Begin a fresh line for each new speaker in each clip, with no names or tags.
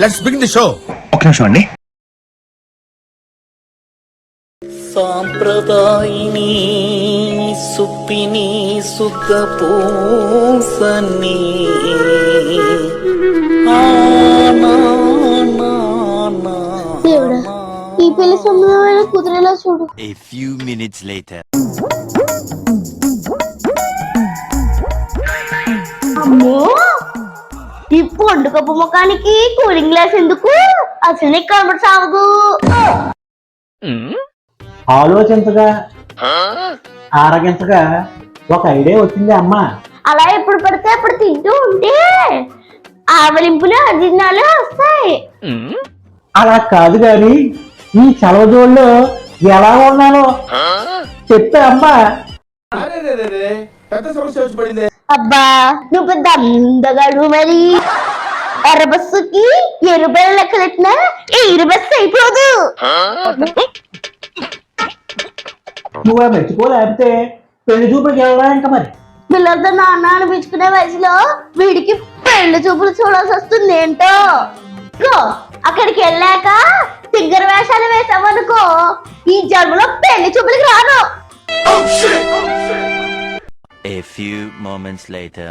Let's begin the show.
ఒక నిమిషం అండి.
సాంప్రదాయిని సుప్పిని సుఖ పూసని
దేవుడా, ఈ పెళ్లి సంబంధమైన కుదిరేలా చూడు.
A few minutes later.
అమ్మో, ఈ పొండు కప్పు ముఖానికి కూలింగ్ గ్లాస్ ఎందుకు? అసలు నీకు కనబడి సాగదు.
ఆలోచించగా ఆరగించగా ఒక ఐడియా వచ్చింది అమ్మ.
అలా ఎప్పుడు పడితే అప్పుడు తింటూ ఉంటే ఆవలింపులు అజీర్ణాలు వస్తాయి.
అలా కాదు గాని ఈ చలవజోళ్ళలో ఎలా ఉన్నానో చెప్తే అమ్మ.
పెద్ద సమస్య వచ్చి పడింది.
అబ్బా, నువ్వు పెద్ద అందగాడు. మరి ఎర్ర బస్సుకి ఎరుబెల లెక్కలెట్టినా ఎయిర్ బస్సు అయిపోదు.
నువ్వు మెచ్చుకోలేకపోతే పెళ్లి చూపులకు వెళ్ళడా ఇంకా మరి.
పిల్లలతో నాన్న అనిపించుకునే వయసులో వీడికి పెళ్లి చూపులు చూడాల్సి వస్తుంది ఏంటో. ఇగో, అక్కడికి వెళ్ళాక సింగర్ వేషాలు వేసామనుకో, ఈ జన్మలో పెళ్లి చూపులకి రాను.
A few moments later.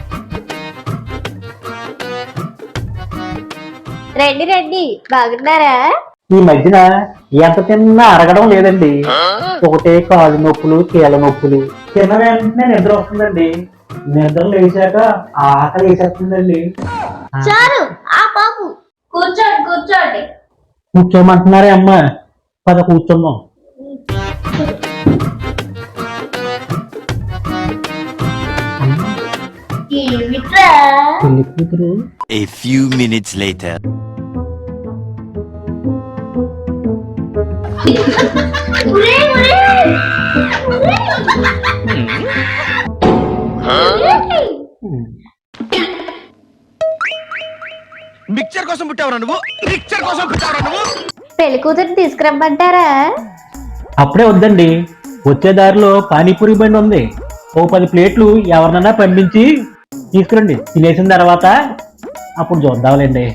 రండి రండి, బాగున్నారా?
ఈ మధ్యన ఎంత తిన్నా అరగడం లేదండి. ఒకటే కాళ్ళు నొప్పులు కీళ్ళ నొప్పులు. తిన్న వెంటనే నిద్ర వస్తుందండి. నిద్ర లేచాక ఆకలి వేసేస్తుందండి.
చాలు ఆ పాపు, కూర్చోండి కూర్చోండి.
కూర్చోమంటున్నారే అమ్మ, పద కూర్చుందాం.
ఏమిట్రా?
పెళ్లి కూతురు
A few minutes later.
ఉరే, ఉరే.
మిక్చర్ కోసం పుట్టావురా నువ్వు? మిక్చర్ కోసం పుట్టావురా నువ్వు?
పెళ్లి కూతురు తీసుకురమ్మంటారా?
అప్పుడే వద్దండి, వచ్చే దారిలో పానీపూరి బండి ఉంది. ఓ 10 ప్లేట్లు ఎవరినన్నా పంపించి తీసుకురండి. తినేసిన తర్వాత అప్పుడు చూద్దాంలేండి.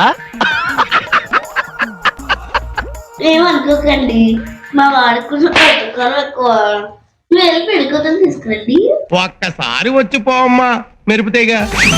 ఏమనుకోకండి, మా వాడికి కొంచెం పథకాలు ఎక్కువ. నువ్వు వెళ్ళి పెళ్లి కూతురు తీసుకురండి.
ఒక్కసారి వచ్చి పోమ్మా, మెరుపుతేగా.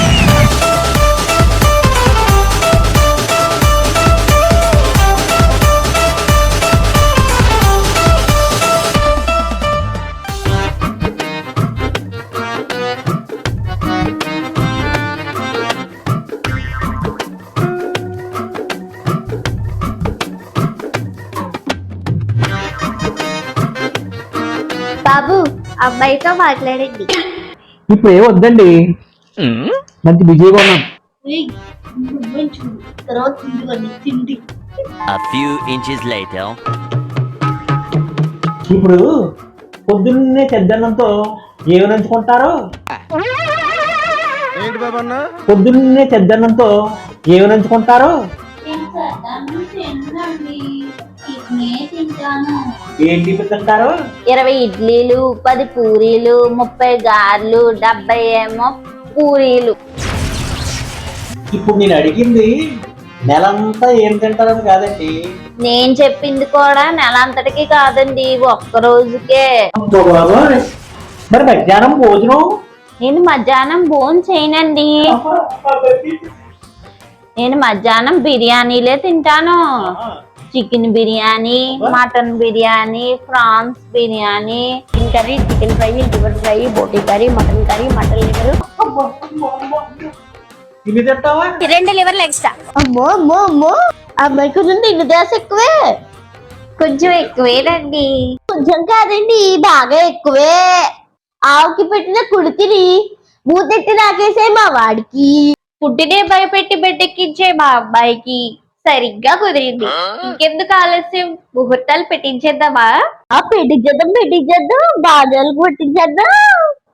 బాబు, అమ్మాయితో మాట్లాడండి.
ఇప్పుడు ఏ వద్దండి, మంచి బిజీగా ఉన్నాం.
తర్వాత తిండి.
A few inches later.
ఇప్పుడు పొద్దున్నే చెద్దన్నంతో ఏమి నంచుకుంటారు?
ఏంటి బాబా అన్న?
పొద్దున్నే చెద్దన్నంతో ఏమి నంచుకుంటారు? ఏంటి తింటారు?
20 ఇడ్లీలు, 10 పూరీలు, 30 గారెలు, 70 ఏమో పూరీలు.
ఇప్పుడు నేను అడిగింది నెలంతా ఏం తింటారని కాదండి.
నేను చెప్పింది కూడా నెల అంతటికి కాదండి, ఒక్క రోజుకే.
మరి మధ్యాహ్నం భోజనం?
నేను మధ్యాహ్నం భోజనం చేయనండి. నేను మధ్యాహ్నం బిర్యానీలే తింటాను. Chicken biryani, mutton biryani, prawns biryani, chicken curry, chicken fry, liver fry, boti curry, mutton liver.
ఇవి తింటావా?
2 లివర్లు ఎక్స్ట్రా. అమ్మో అమ్మో అమ్మో, అమ్మాయి కొంచెం తిండి దాస ఎక్కువే. కొంచెం ఎక్కువేనండి. కొంచెం కాదండి, బాగా ఎక్కువే. ఆవుకి పెట్టిన కుడితిని మూతెట్టి నాకేసే మా వాడికి, పుట్టినే భయపెట్టి బిడ్డెక్కించే మా అబ్బాయికి సరిగ్గా కుదిరింది. ఇంకెందుకు ఆలస్యం, ముహూర్తాలు పెట్టించేద్దామా? పెట్టించేద్దాం, బాధలు కొట్టించేద్దాం.